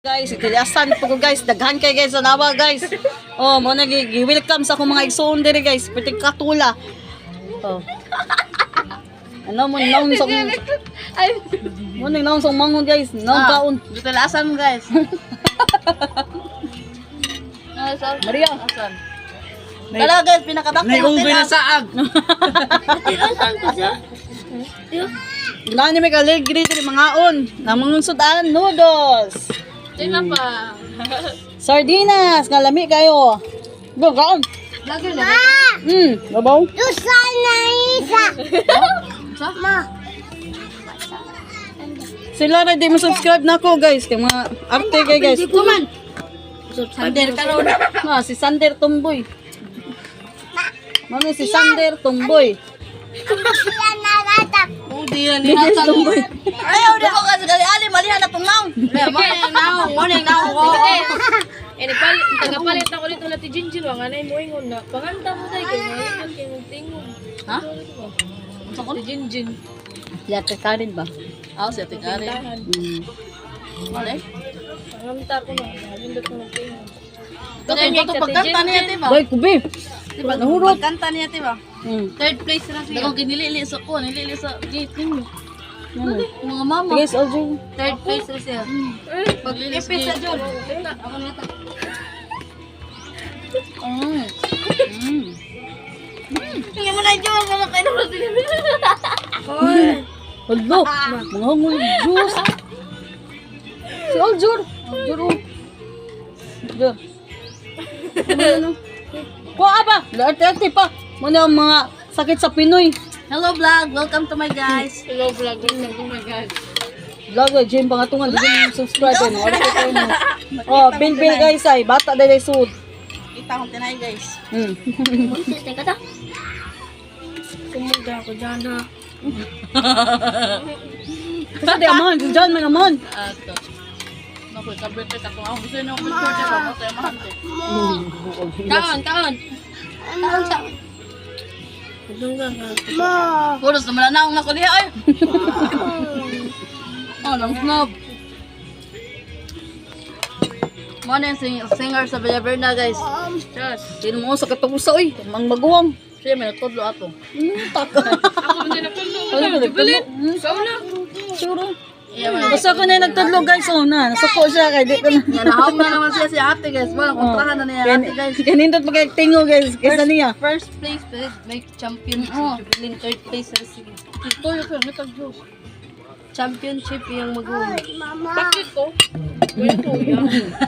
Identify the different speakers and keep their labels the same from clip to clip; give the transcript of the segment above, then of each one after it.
Speaker 1: Guys, itiliasan po ko guys, daghan kay guys sa nawa guys. Oh, mo nag-welcome sa akong mga igsoon diri guys, pati katula. Oh. Ano mo naon sa
Speaker 2: Ay,
Speaker 1: mo naon sa mangon guys, naon kaon.
Speaker 2: dito lasan guys.
Speaker 1: Maria.
Speaker 2: Asan?
Speaker 1: Tara guys, pinakadako.
Speaker 2: May kong binasaag.
Speaker 1: Wala ni may kaligri diri mga on. Namang sudan noodles.
Speaker 2: Tingnan pa.
Speaker 1: Sardinas, kalami kayo. Go, kaon.
Speaker 2: Lagi na.
Speaker 1: Babaw. Sila na di mo subscribe na ako guys, kay mga arte kay guys.
Speaker 2: Kuman. Sander karon.
Speaker 1: Na si Sander Tumboy. Mano si Sander Tumboy.
Speaker 2: Oh, di yan ni
Speaker 1: Biggest
Speaker 2: Hasan.
Speaker 1: Tumboy.
Speaker 2: Ayaw di ko kasi gali ali malihan na tungaw. Morning now.
Speaker 3: Ini palit, tagapalit ako dito na ti Jinjin, wang anay mo ingon na. Panganta mo tayo, kaya ngayon kay mong tingog.
Speaker 2: Ha?
Speaker 3: Ti Jinjin.
Speaker 1: Yate ka rin ba?
Speaker 2: Si Ate Karen.
Speaker 3: Tahan.
Speaker 2: Mali.
Speaker 3: Panganta ko na, nalindot mo ng tingog.
Speaker 2: Ito pagkanta niya, diba?
Speaker 1: Boy, kubi.
Speaker 2: Diba?
Speaker 1: Nahurot.
Speaker 2: Pagkanta niya, diba? Third place na siya. Dako ginilili sa ko, nilili sa gate ninyo. Mga mama.
Speaker 1: Guys, Aljun.
Speaker 2: Third place na siya. Paglilis sa gate. Ako na ito. Tingnan mo na yung jowa mo kayo na sila.
Speaker 1: Hello. Mga hungul juice. Si Aljur. Aljur. Aljur. Ano? Kuha ba? Arte-arte pa. Muna ang mga sakit sa Pinoy.
Speaker 2: Hello vlog, welcome to my guys.
Speaker 3: Hello vlog, oh my God.
Speaker 1: Vlog ay Jim pangatungan din yung subscribe mo. Wala ko kayo mo. Oh, bil guys ay bata dai sud.
Speaker 2: Kita akong tinay guys.
Speaker 3: Kumunda ako dyan ha.
Speaker 1: Kasi di amon, si John man amon.
Speaker 2: Ato. Naku, kabete ka kung ako gusto nyo kung birthday ka, matay mahante.
Speaker 3: Kaon, kaon.
Speaker 2: Taon sa...
Speaker 3: Ma.
Speaker 2: Puros naman na akong nakuliha ay. Oh, nang snob. Mo na yung singer sa Villaverna guys.
Speaker 3: Just.
Speaker 1: Sino mo sa katapusa oy, mang maguwang.
Speaker 2: Siya may nagtudlo ato.
Speaker 1: Taka.
Speaker 3: Ako hindi na puno.
Speaker 1: Jubilit.
Speaker 3: Ikaw na.
Speaker 1: Sure.
Speaker 2: Iya man.
Speaker 1: Basta ko na nagtudlo guys oh na. Nasuko siya kay di ko na.
Speaker 2: Yan, nahawag na naman siya si ate guys. Wala, kontrahan na niya ate guys.
Speaker 1: Kanindot magkagtingo guys, kaysa niya.
Speaker 2: First place, may champion. Jubilin, third place. Sige. Ito yung nagtag-juice. Championship yung mag-uwi.
Speaker 3: Bakit ko? Wala ko yan.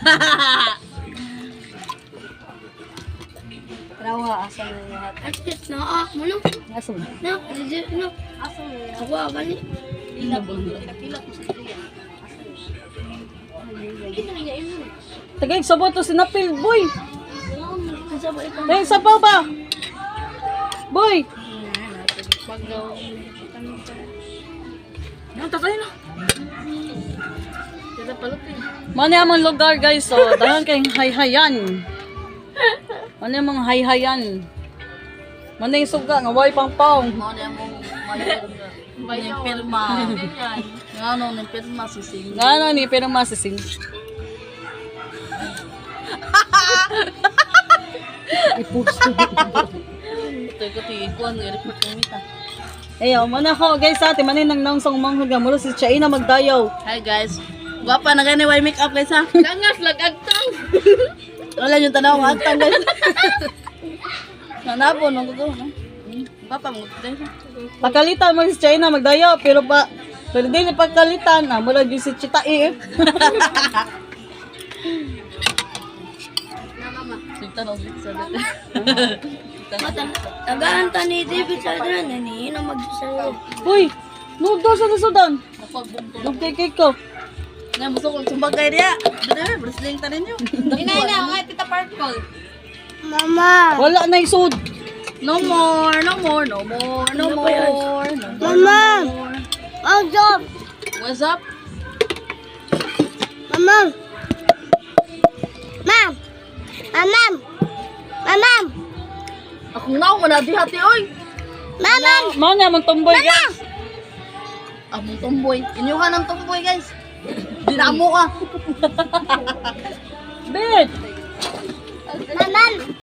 Speaker 2: Rawa, asa na yung lahat.
Speaker 3: Akit na ah. Mano?
Speaker 1: Aso.
Speaker 3: Na, legit na.
Speaker 2: Asa na yung
Speaker 3: Ako ah, gani.
Speaker 2: Pinapila ko sa kanya.
Speaker 3: Kita na niya yun.
Speaker 1: Tagay sa boto sinapil boy.
Speaker 3: Kasi ba ito?
Speaker 1: Tagay sa ba? Boy.
Speaker 3: Pagaw.
Speaker 2: Yung tatay na.
Speaker 3: Kita palutin.
Speaker 1: Mano yung mga lugar guys, so dahan kayong hayhayan. Mano yung mga hayhayan. Mano yung suga, nga way pang paong.
Speaker 2: Mo na mong yung pirma. Yung ano, yung pirma si Sing.
Speaker 1: Nga ano ni, pero masising. Ipusto.
Speaker 2: Ito yung ikuan, i-report yung mita.
Speaker 1: Ayaw, muna ko guys sa atin, manin nang nangsong manghod nga mula si Chaina magdayaw.
Speaker 2: Hi guys. Gwapa na gani, why make up guys ha?
Speaker 3: Langas, lagagtang.
Speaker 2: Wala yung tanaw ng agtang guys. Nanabo, nung gusto. Gwapa mo gusto.
Speaker 1: Pagkalitan mo si Chaina magdayaw, pero di ni pagkalitan, mula di si Chitai eh.
Speaker 2: Sinta na ulit sa dati.
Speaker 3: Tagahanta ni David Sadran, nanihin ang magsasayo.
Speaker 1: Uy, noodles sa Sudan.
Speaker 2: Napagbungto.
Speaker 1: Nagkikik ko.
Speaker 2: Nga, gusto kong sumbagay niya. Dito, wrestling ta ninyo.
Speaker 3: Ina, nga, tita Parkol.
Speaker 1: Wala na isod.
Speaker 2: No more, no more, no more, no more.
Speaker 4: Mama! What's up?
Speaker 2: What's up?
Speaker 4: Mama! Ma'am! Ma'am! Ma'am!
Speaker 2: Akong naong manadihati, oy.
Speaker 4: Mama!
Speaker 1: Mao na mong tomboy guys.
Speaker 2: Among tomboy. Inyuhan ang tomboy, guys.
Speaker 1: Dinamo ka. Bet!